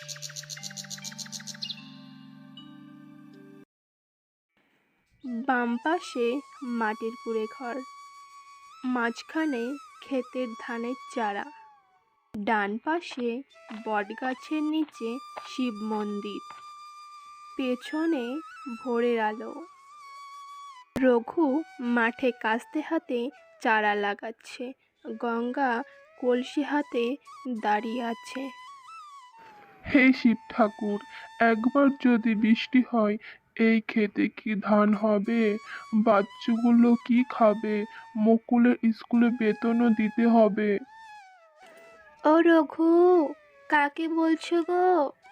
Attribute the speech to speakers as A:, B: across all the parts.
A: বাম পাশে মাটির কুঁড়ে ঘর, মাঝখানে ক্ষেতের ধানের চারা, ডান পাশে বটগাছের নিচে শিব মন্দির, পেছনে ভোরের আলো। রঘু মাঠে কাস্তে হাতে চারা লাগাচ্ছে, গঙ্গা কলসি হাতে দাঁড়িয়ে আছে।
B: হে শিব ঠাকুর, একবার যদি বৃষ্টি হয় এই ক্ষেতে কি ধান হবে? বাচ্চাগুলো কি খাবে? মুকুলের স্কুলে বেতনও দিতে হবে।
A: ও রঘু, কাকে বলছো গো?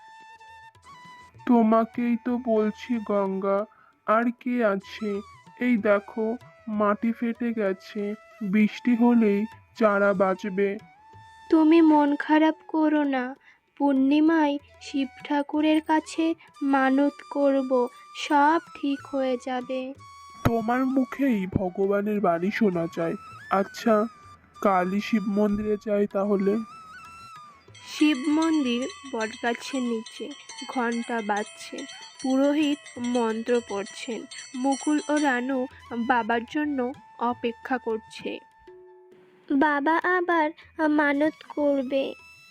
B: তোমাকেই তো বলছি গঙ্গা, আর কে আছে? এই দেখো, মাটি ফেটে গেছে, বৃষ্টি হলেই চারা বাঁচবে।
A: তুমি মন খারাপ করো না, পূর্ণিমায় শিব ঠাকুরের কাছে মানত করব, সব ঠিক হয়ে যাবে।
B: তোমার মুখেই ভগবানের বাণী শোনা যায়। আচ্ছা, কালই শিব মন্দিরে যাই তাহলে।
A: শিব মন্দির বটগাছের নিচে, ঘন্টা বাজছে, পুরোহিত মন্ত্র পড়ছেন, মুকুল ও রানু বাবার জন্য অপেক্ষা করছে। বাবা আবার মানত করবে।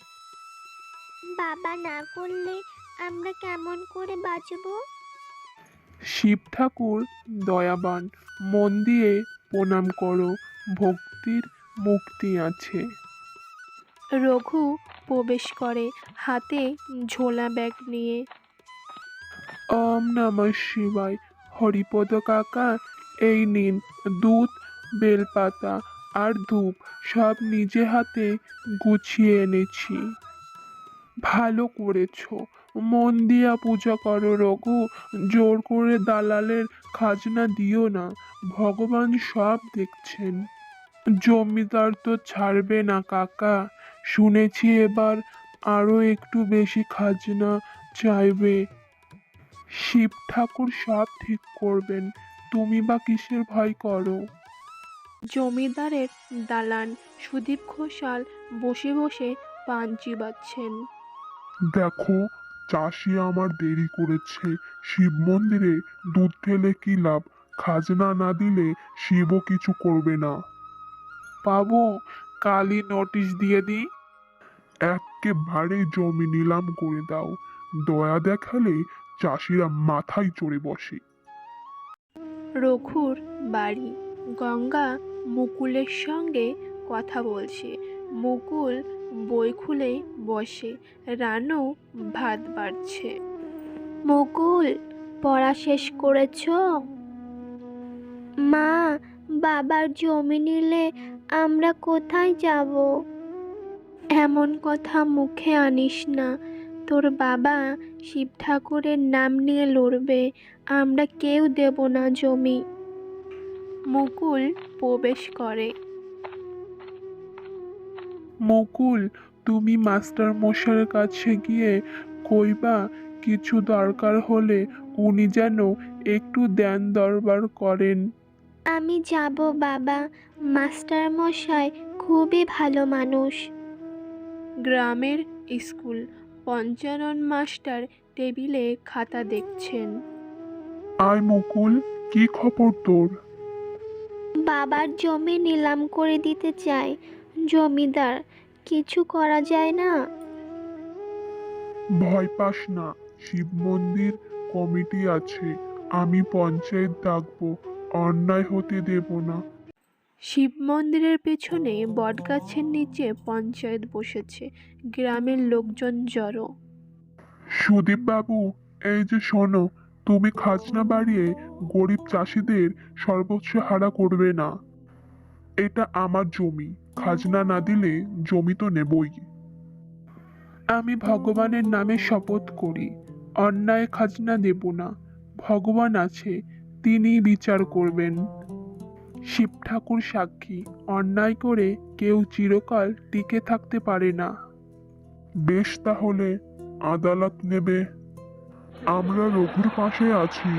C: বাবা না করলে আমরা কেমন করে বাঁচবো?
B: শিব ঠাকুর দয়াবান, মন দিয়ে প্রণাম করো, ভক্তির মুক্তি আছে।
A: রঘু প্রবেশ করে হাতে ঝোলা ব্যাগ নিয়ে।
B: ওম নমঃ শিবায়। হরিপদ কাকা, এই নিন দুধ, বেলপাতা আর ধূপ, সব নিজে হাতে গুছিয়ে এনেছি। ভালো করেছো, মন দিয়া পূজা করো রঘু, জোর করে দালালের খাজনা দিও না, ভগবান সব দেখছেন। জমিদার তো ছাড়বে না কাকা, শুনেছি এবার আরো একটু বেশি খাজনা চাইবে। শিব ঠাকুর সব ঠিক করবেন, তুমি বা কিসের ভয় করো?
A: জমিদারের দালান সুদীপ ঘোষাল বসে বসে পান চিবাচ্ছেন।
B: দেখো, চাষি আমার দেরি করেছে, শিব মন্দিরে দুধ ঢেলে কি লাভ? খাজনা না দিলে শিবও কিছু করবে না। পাবো, কালই নোটিশ দিয়ে দিই। একেবারে জমি নিলাম করে দাও, দয়া দেখালে চাষিরা মাথায় চড়ে বসে।
A: রঘুর বাড়ি, গঙ্গা মুকুলের সঙ্গে কথা বলছে, মুকুল বই খুলে বসে, রানু ভাত বাড়ছে। মুকুল, পড়া শেষ করেছো? মা, বাবার জমি নিলে আমরা কোথায় যাব? এমন কথা মুখে আনিস না, তোর বাবা শিব ঠাকুরের নাম নিয়ে লড়বে, আমরা কেউ দেব না জমি। মুকুল প্রবেশ করে।
B: মুকুল, তুমি মাস্টার মশাইয়ের কাছে গিয়ে কইবা কিছু দরকার হলে উনি যেন একটু দেন দরবার করেন।
A: আমি যাব বাবা, মাস্টার মশাই খুবই ভালো মানুষ। গ্রামের স্কুল, পঞ্চানন মাস্টার টেবিলে খাতা দেখছেন।
B: আয় মুকুল, কি খবর তোর?
A: বাবার জমি নিলাম করে দিতে চায় জমিদার, কিছু করা যায় না?
B: ভয় পাস না, শিব মন্দির কমিটি আছে, আমি পঞ্চায়েত ডাকবো, অন্যায় হতে দেব না।
A: শিব মন্দিরের পেছনে বটগাছের নিচে পঞ্চায়েত বসেছে, গ্রামের লোকজন জড়ো।
B: সুদীপ বাবু, এই যে শোনো, তুমি খাজনা বাড়িয়ে গরিব চাষিদের সর্বোচ্চ হারা করবে না। এটা আমার জমি, খাজনা না দিলে জমি তো নেবই। আমি ভগবানের নামে শপথ করি, অন্যায় খাজনা দেব না। ভগবান আছে, তিনি বিচার করবেন। শিব ঠাকুর সাক্ষী, অন্যায় করে কেউ চিরকাল টিকে থাকতে পারে না। বেশ, তাহলে আদালত নেবে, আমরা রঘুর পাশে আছি।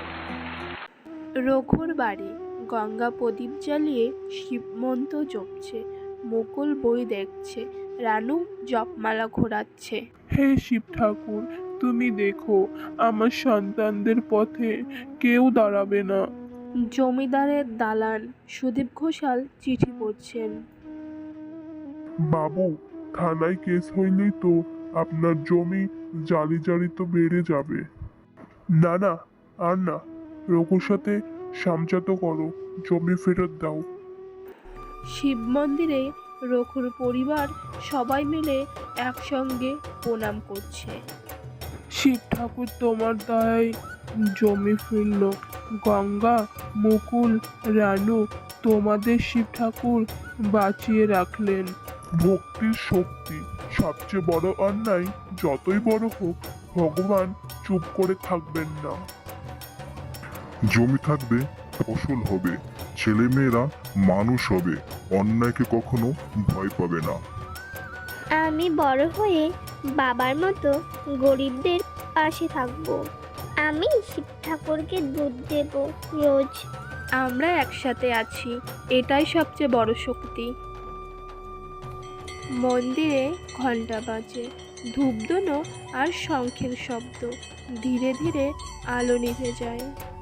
A: রঘুর বাড়ি, গঙ্গা প্রদীপ জ্বালিয়ে শিব মন্ত্র জপছে, মুকুল বই দেখছে, রানু জপমালা ঘোরাচ্ছে।
B: হে শিব ঠাকুর, তুমি দেখো আমার সন্তানদের পথে কেউ দাঁড়াবে না।
A: জমিদারের দালান সুদীপ ঘোষাল চিঠি পড়ছেন।
D: বাবু, থানায় কেস হইলেই তো আপনার জমি জালি তো বেড়ে যাবে। না না, আর না, রঘুর সাথে সামজাত করো, জমি ফেরত দাও।
A: শিব মন্দিরে রঘুর পরিবার সবাই মিলে একসঙ্গে প্রণাম করছে।
B: শিব ঠাকুর তোমার দয়ায় জমি ফিরল। গঙ্গা, মুকুল, রানু, তোমাদের শিব ঠাকুর বাঁচিয়ে রাখলেন।
D: ভক্তির শক্তি, সবচেয়ে বড় অন্যায় যতই বড় হোক, ভগবান চুপ করে থাকবেন না।
E: জমি থাকবে, ফসল হবে, ছেলেমেয়েরা মানুষ হবে, অন্যায়কে কখনো ভয় পাবে না।
C: আমি বড় হয়ে বাবার মতো গরিবদের পাশে থাকবো। আমি শিব ঠাকুরকে দুধ দেব রোজ।
A: আমরা একসাথে আছি, এটাই সবচেয়ে বড় শক্তি। মন্দিরে ঘন্টা বাজে, ধূপধুনো আর শঙ্খের শব্দ। ধীরে ধীরে আলো নিভে যায়।